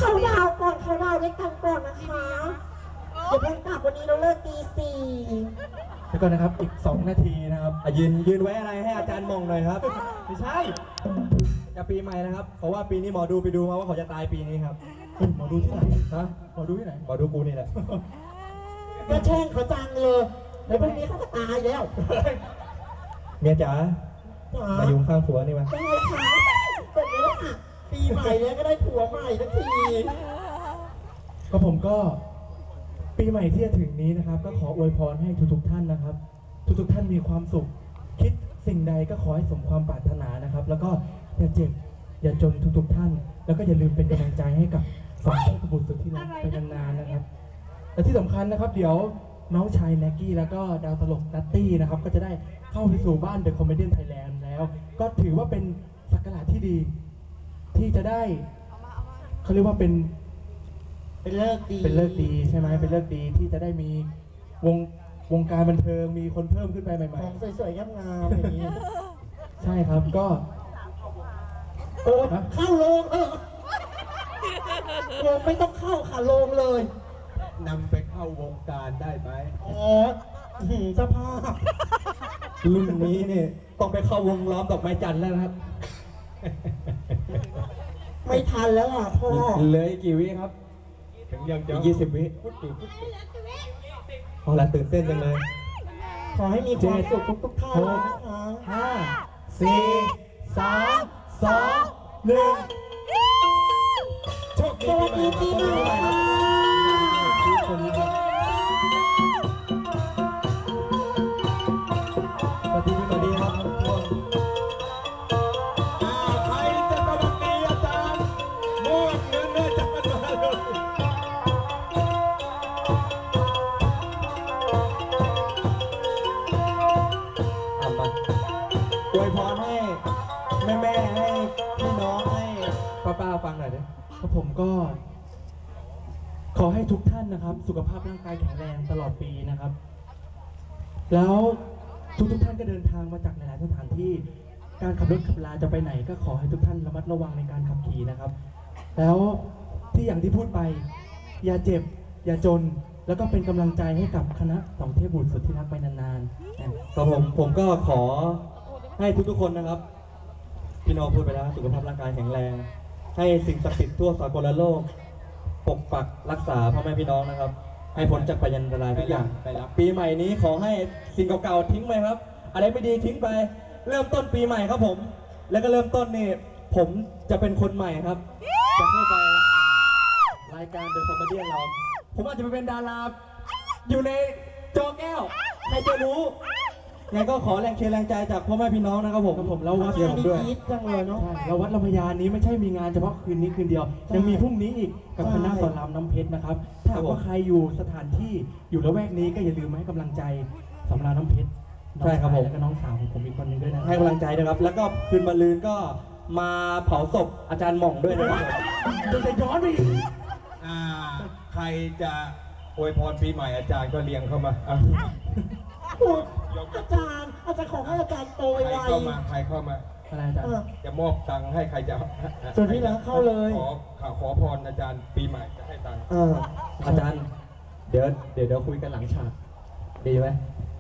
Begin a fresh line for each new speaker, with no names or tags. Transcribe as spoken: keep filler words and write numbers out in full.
เขาดาวก่อนเขาดาวด้วยกันก่อนนะคะเดี๋ยวเพิ่งกลับวันนี้เราเลิกตีสี่
แล้วก็นะครับอีกสองนาทีนะครับ
ยืนยืนไว้อะไรให้อาจารย์มองหน่อยครับไม่ใช่จะปีใหม่นะครับเพราะว่าปีนี้หมอดูไปดูมาว่าเขาจะตายปีนี้ครับ
หมอดูที่ไหนฮะหมอดูที่ไหน
หมอดูกูนี่แหละ
ก็แช่งเขาจังเลยในพรุ่งนี้เขาจะตายแล้ว
เมียจ๋ามาอยู่ข้างผัวนี่มา
ได้ค่ะเสร็จแล้วค่ะปีใหม่แล้วก็ได้ผัวใหม่ทันที
ก็ผมก็ปีใหม่ที่จะถึงนี้นะครับก็ขออวยพรให้ทุกๆท่านนะครับทุกๆท่านมีความสุขคิดสิ่งใดก็ขอให้สมความปรารถนานะครับแล้วก็อย่าเจ็บอย่าจนทุกๆท่านแล้วก็อย่าลืมเป็นกำลังใจให้กับสองเทพบุตรสุดที่รักไปนานๆนะครับและที่สำคัญนะครับเดี๋ยวน้องชายแน็กกี้แล้วก็ดาวตลกนัตตี้นะครับก็จะได้เข้าไปสู่บ้านเดอะคอมเมดี้ไทยแลนด์แล้วก็ถือว่าเป็นสักราชที่ดีที่จะได้เขาเรียกว่าเป็น
เป็นเลิกดี
เป็นเลิกดีใช่ไหมเป็นเลิกดีที่จะได้มีวงวงการบันเทิงมีคนเพิ่มขึ้นไปใหม่
ๆของสวยๆงามๆอย่างนี้
ใช่ครับก็
โอ้เข้าโรงเออโรงไม่ต้องเข้าค่ะโรงเลย
นำไปเข้าวงการได้ไหม
อ๋อสภาพ
รุ่นนี้เนี่ยต้องไปเข้าวงล้อมดอกไม้จันทร์แล้วครับ
ไม่ทันแล้วอ่ะพ่อ
เหลือกี่วิครับถึงยังจะยี่สิบวิพอละตื่นเต้นจังเลย
ขอให้มีความสุขทุกๆท่านนะคะ
ห้าสี่สามสองหนึ่ง
โชคดีปีใหม่ค่ะ
ทุกคนนะครับสวัสดีสวัสดีครับทุกคนใครจะกำลังดีอาจารย์มอบเงินเลยจับมันมาเลยเอามาอวยพรให้แม่แม่ให้พี่น้องให้ป้าป้าฟังหน่อยดิ
ครับผมก็ขอให้ทุกท่านนะครับสุขภาพร่างกายแข็งแรงตลอดปีนะครับแล้วทุกทุกท่านก็เดินทางมาจากหลายๆสถานที่การขับรถขับลาจะไปไหนก็ขอให้ทุกท่านระมัดระวังในการขับขี่นะครับแล้วที่อย่างที่พูดไปอย่าเจ็บอย่าจนแล้วก็เป็นกำลังใจให้กับคณะสองเทพบุตรสุดที่รักไปนาน
ๆครับผมผมก็ขอให้ทุกๆคนนะครับพี่น้องพูดไปแล้วสุขภาพร่างกายแข็งแรงให้สิ่งศักดิ์สิทธิ์ทั่วสากลโลกปกปักรักษาพ่อแม่พี่น้องนะครับให้พ้นจากพยันตรายทุกอย่างปีใหม่นี้ขอให้สิ่งเก่าๆทิ้งไปครับอะไรไม่ดีทิ้งไปเริ่มต้นปีใหม่ครับผมแล้วก็เริ่มต้นนี่ผมจะเป็นคนใหม่ครับจะเข้าไปรายการเดอะคอมเมดี้เราผมอาจจะไปเป็นดาราอยู่ในจอแก้วใครจะรู้ไงก็ขอแรงเชียร์แรงใจจากพ่อแม่พี่น้องนะครับผมผมแล้ววัดเดียวผมด้วย
จังเลยเนาะ
เราวัดลำพญานี้ไม่ใช่มีงานเฉพาะคืนนี้คืนเดียวยังมีพรุ่งนี้อีกกับคณะสอนรามน้ำเพชรนะครับถ้าว่าใครอยู่สถานที่อยู่ละแวกนี้ก็อย่าลืมมาให้กำลังใจสำราญน้ำเพชร
ใช่ครับผม
และน้องสาวของผมอีกคนนึงด้วยนะ
ให้กำลังใจนะครับแล้วก็คืนมะรืนก็มาเผาศพอาจารย์หม่องด้วยนะครับ
จะย้อนไป
อ่าใครจะอวยพรปีใหม่อาจารย์ก็เรียงเข้ามา
อาจารย์อาจารย์ขอให้อาจารย์โตไว
ใครเข้ามาใครเข้ามา
อะไรอาจารย์
จะมอบตังค์ให้ใครจะ
ส่วนที่แล้วเข้าเลย
ขอขอพรอาจารย์ปีใหม่จะให้ตังค์อาจารย์เดี๋ยวเดี๋ยวเดี๋ยวคุยกันหลังฉากดีไหม